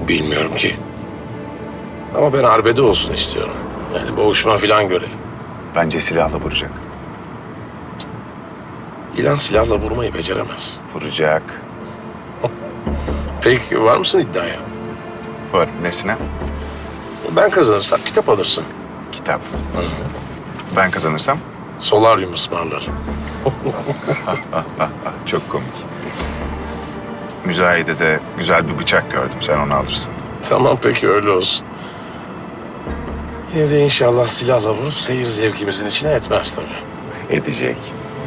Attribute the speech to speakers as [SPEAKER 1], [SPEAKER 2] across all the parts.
[SPEAKER 1] Bilmiyorum ki. Ama ben arbede olsun istiyorum. Yani boğuşma falan görelim.
[SPEAKER 2] Bence silahla vuracak.
[SPEAKER 1] İlan silahla vurmayı beceremez.
[SPEAKER 2] Vuracak.
[SPEAKER 1] Peki var mısın iddiaya?
[SPEAKER 2] Var. Nesine?
[SPEAKER 1] Ben kazanırsam kitap alırsın.
[SPEAKER 2] Kitap. Ben kazanırsam?
[SPEAKER 1] Solaryum ısmarlarım.
[SPEAKER 2] Çok komik. Müzayedede güzel bir bıçak gördüm. Sen onu alırsın.
[SPEAKER 1] Tamam peki öyle olsun. Yine de inşallah silahla vurup seyir zevkimizin içine etmez tabii.
[SPEAKER 2] Edecek.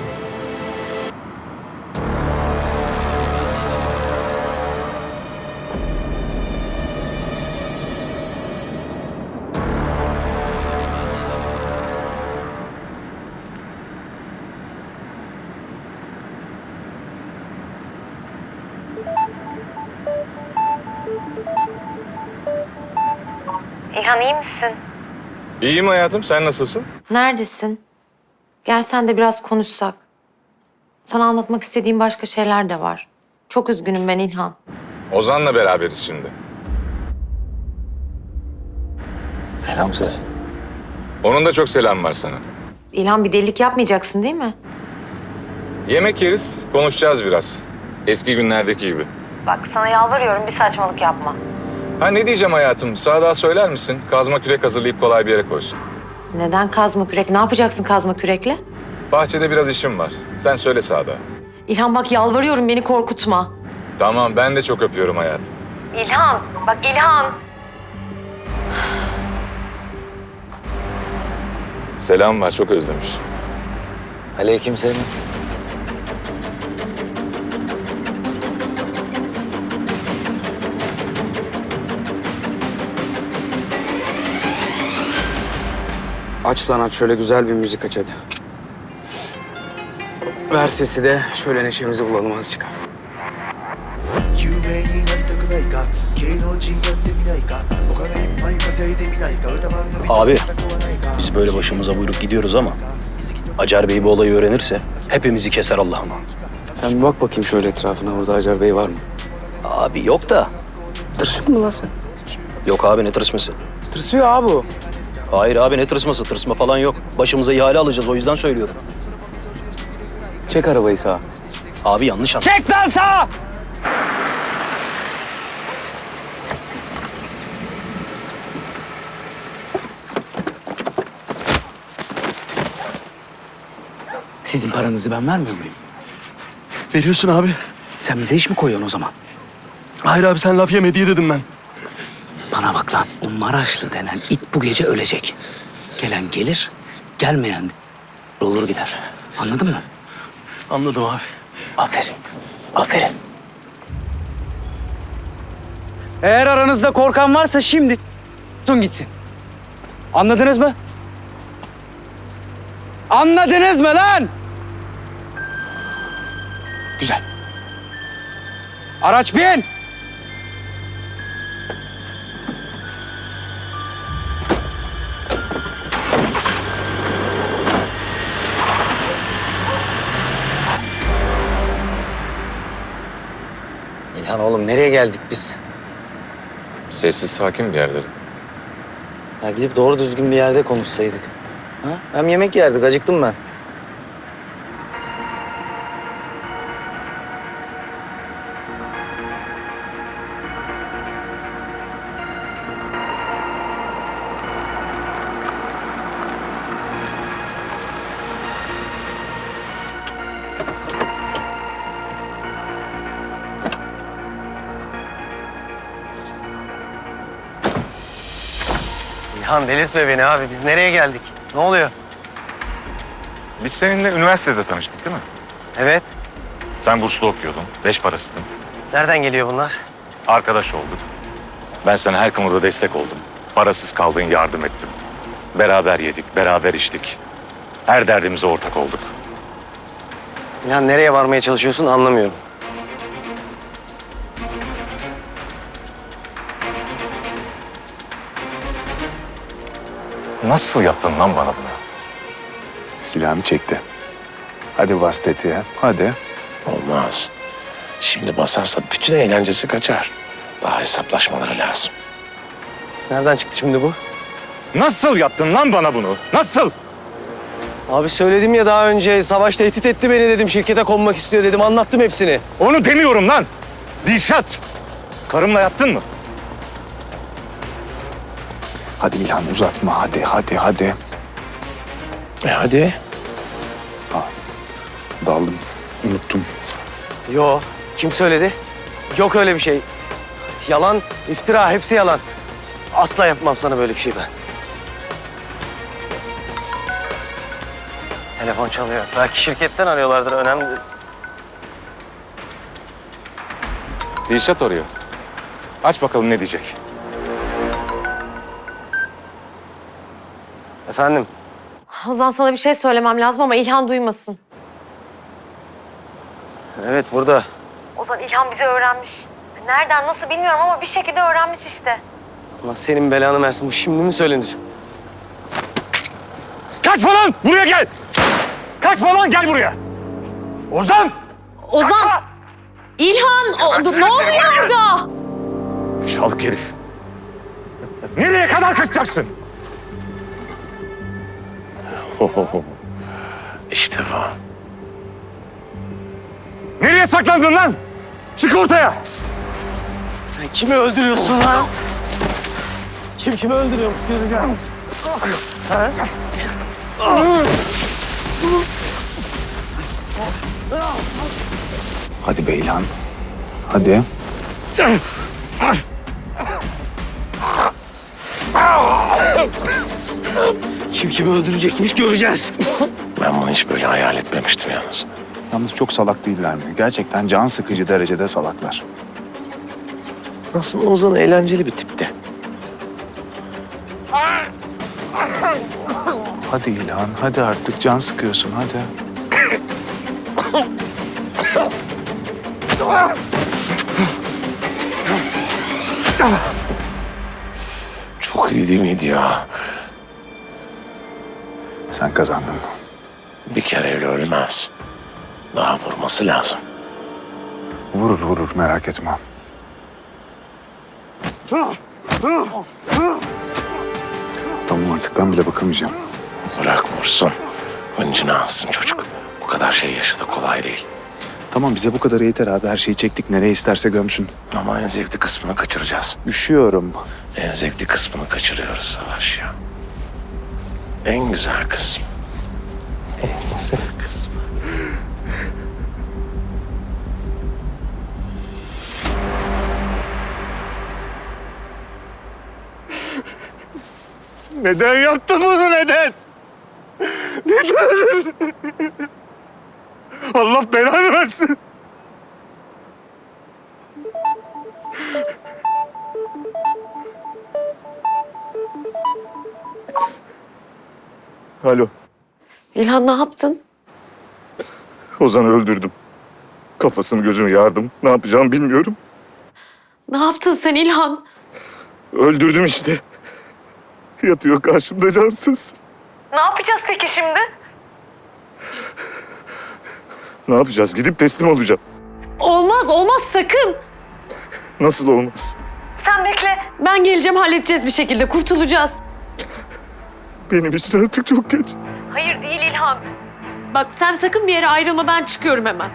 [SPEAKER 3] İlhan iyi misin?
[SPEAKER 2] İyiyim hayatım. Sen nasılsın?
[SPEAKER 3] Neredesin? Gel sen de biraz konuşsak. Sana anlatmak istediğim başka şeyler de var. Çok üzgünüm ben İlhan.
[SPEAKER 4] Ozan'la beraberiz şimdi.
[SPEAKER 5] Selam söyle.
[SPEAKER 4] Onun da çok selam var sana.
[SPEAKER 3] İlhan bir delilik yapmayacaksın değil mi?
[SPEAKER 4] Yemek yeriz, konuşacağız biraz. Eski günlerdeki gibi.
[SPEAKER 3] Bak sana yalvarıyorum bir saçmalık yapma.
[SPEAKER 4] Ha ne diyeceğim hayatım? Sadık'a söyler misin? Kazma kürek hazırlayıp kolay bir yere koysun.
[SPEAKER 3] Neden kazma kürek? Ne yapacaksın kazma kürekle?
[SPEAKER 4] Bahçede biraz işim var. Sen söyle Sadık'a.
[SPEAKER 3] İlhan bak yalvarıyorum beni korkutma.
[SPEAKER 4] Tamam, ben de çok öpüyorum hayatım.
[SPEAKER 3] İlhan bak İlhan.
[SPEAKER 4] Selam var, çok özlemiş.
[SPEAKER 5] Aleykümselam.
[SPEAKER 6] Aç lan aç, şöyle güzel bir müzik aç hadi. Ver sesi de şöyle neşemizi bulalım azıcık.
[SPEAKER 7] 有名になりたくないか芸能人やってみないかお金いっぱい稼いでみないか歌番組
[SPEAKER 5] Abi,
[SPEAKER 7] たくはないか
[SPEAKER 5] biz böyle başımıza buyruk gidiyoruz ama Acar Bey bu olayı öğrenirse hepimizi keser Allah'ıma.
[SPEAKER 6] Sen bir bak bakayım şöyle etrafına, burada Acar Bey var mı?
[SPEAKER 5] Abi yok da.
[SPEAKER 6] Tırsıyor mu lan sen?
[SPEAKER 5] Yok abi ne tırsması?
[SPEAKER 6] Tırsıyor abi o.
[SPEAKER 5] Hayır abi ne tırsması? Tırsma falan yok. Başımıza ihale alacağız o yüzden söylüyorum.
[SPEAKER 6] Çek arabayı sağa.
[SPEAKER 5] Abi yanlış anladın.
[SPEAKER 6] Çek lan sağa! Sizin paranızı ben vermiyor muyum?
[SPEAKER 8] Veriyorsun abi.
[SPEAKER 6] Sen bize iş mi koyuyorsun o zaman?
[SPEAKER 8] Hayır abi sen laf yeme diye dedim ben.
[SPEAKER 6] Bana bak lan, o Maraşlı denen it bu gece ölecek. Gelen gelir, gelmeyen olur gider. Anladın mı?
[SPEAKER 8] Anladım abi.
[SPEAKER 6] Aferin, aferin. Eğer aranızda korkan varsa şimdi gitsin. Anladınız mı? Anladınız mı lan? Güzel. Araç bin!
[SPEAKER 5] İlhan oğlum nereye geldik biz?
[SPEAKER 4] Sessiz, sakin bir yerlere.
[SPEAKER 5] Ya gidip doğru düzgün bir yerde konuşsaydık. Ha? Hem yemek yerdik acıktım ben.
[SPEAKER 9] İlhan delirtme beni abi. Biz nereye geldik? Ne oluyor?
[SPEAKER 4] Biz seninle üniversitede tanıştık değil mi?
[SPEAKER 9] Evet.
[SPEAKER 4] Sen burslu okuyordun, beş parasıydın.
[SPEAKER 9] Nereden geliyor bunlar?
[SPEAKER 4] Arkadaş olduk. Ben sana her konuda destek oldum. Parasız kaldın, yardım ettim. Beraber yedik, beraber içtik. Her derdimize ortak olduk.
[SPEAKER 9] İlhan nereye varmaya çalışıyorsun anlamıyorum.
[SPEAKER 4] Nasıl yaptın lan bana bunu?
[SPEAKER 2] Silahını çekti. Hadi bas tetiğe. Hadi.
[SPEAKER 1] Olmaz. Şimdi basarsa bütün eğlencesi kaçar. Daha hesaplaşmaları lazım.
[SPEAKER 9] Nereden çıktı şimdi bu?
[SPEAKER 4] Nasıl yaptın lan bana bunu? Nasıl?
[SPEAKER 9] Abi söyledim ya daha önce. Savaş tehdit etti beni dedim. Şirkete konmak istiyor dedim. Anlattım hepsini.
[SPEAKER 4] Onu demiyorum lan. Dilşat. Karımla yattın mı?
[SPEAKER 2] Hadi İlhan uzatma hadi hadi.
[SPEAKER 1] Hadi.
[SPEAKER 2] Daldım. Unuttum.
[SPEAKER 9] Yo. Kim söyledi? Yok öyle bir şey. Yalan, iftira. Hepsi yalan. Asla yapmam sana böyle bir şey ben. Telefon çalıyor. Belki şirketten arıyorlardır. Önemli değil.
[SPEAKER 4] Dilşat arıyor. Aç bakalım ne diyecek.
[SPEAKER 9] Efendim?
[SPEAKER 3] Ozan sana bir şey söylemem lazım ama İlhan duymasın.
[SPEAKER 9] Evet burada.
[SPEAKER 3] Ozan İlhan bizi öğrenmiş. Nereden nasıl bilmiyorum ama bir şekilde öğrenmiş işte.
[SPEAKER 9] Allah senin belanı versin. Bu şimdi mi söylenir?
[SPEAKER 4] Kaçma lan! Buraya gel! Kaçma lan! Gel buraya! Ozan!
[SPEAKER 3] Ozan! İlhan! Ne oluyor orada?
[SPEAKER 4] Çalık herif. Nereye kadar kaçacaksın?
[SPEAKER 1] İşte bu.
[SPEAKER 4] Nereye saklandın lan? Çık ortaya!
[SPEAKER 9] Sen kimi öldürüyorsun lan? Kim kimi öldürüyormuş? Gözü gel.
[SPEAKER 2] Hadi be İlhan. Hadi.
[SPEAKER 9] Kim kimi öldürecekmiş göreceğiz.
[SPEAKER 1] Ben bunu hiç böyle hayal etmemiştim yalnız.
[SPEAKER 2] Yalnız çok salak değiller mi? Gerçekten can sıkıcı derecede salaklar.
[SPEAKER 1] Aslında Ozan eğlenceli bir tipti.
[SPEAKER 2] Hadi İlhan, hadi artık can sıkıyorsun hadi.
[SPEAKER 1] Çok iyi değil miydi ya?
[SPEAKER 2] Sen kazandın.
[SPEAKER 1] Bir kere öyle ölmez. Daha vurması lazım.
[SPEAKER 2] Vurur merak etme. Tamam artık ben bile bakamayacağım.
[SPEAKER 1] Bırak vursun. Hıncını alsın çocuk. Bu kadar şey yaşadı kolay değil.
[SPEAKER 2] Tamam bize bu kadar yeter abi. Her şeyi çektik. Nereye isterse gömsün.
[SPEAKER 1] Ama en zevkli kısmını kaçıracağız.
[SPEAKER 2] Üşüyorum.
[SPEAKER 1] En zevkli kısmını kaçırıyoruz Savaş ya. En güzel kısım. En güzel kısmı.
[SPEAKER 4] Neden yaptın bunu neden? Neden? Allah belanı versin.
[SPEAKER 2] Alo.
[SPEAKER 3] İlhan ne yaptın?
[SPEAKER 4] Ozan'ı öldürdüm. Kafasını gözünü yardım. Ne yapacağımı bilmiyorum.
[SPEAKER 3] Ne yaptın sen İlhan?
[SPEAKER 4] Öldürdüm işte. Yatıyor karşımda cansız.
[SPEAKER 3] Ne yapacağız peki şimdi?
[SPEAKER 4] Ne yapacağız? Gidip teslim olacağım.
[SPEAKER 3] Olmaz sakın.
[SPEAKER 4] Nasıl olmaz?
[SPEAKER 3] Sen bekle. Ben geleceğim halledeceğiz bir şekilde kurtulacağız.
[SPEAKER 4] Benim için artık çok geç.
[SPEAKER 3] Hayır değil İlhan. Bak sen sakın bir yere ayrılma ben çıkıyorum hemen.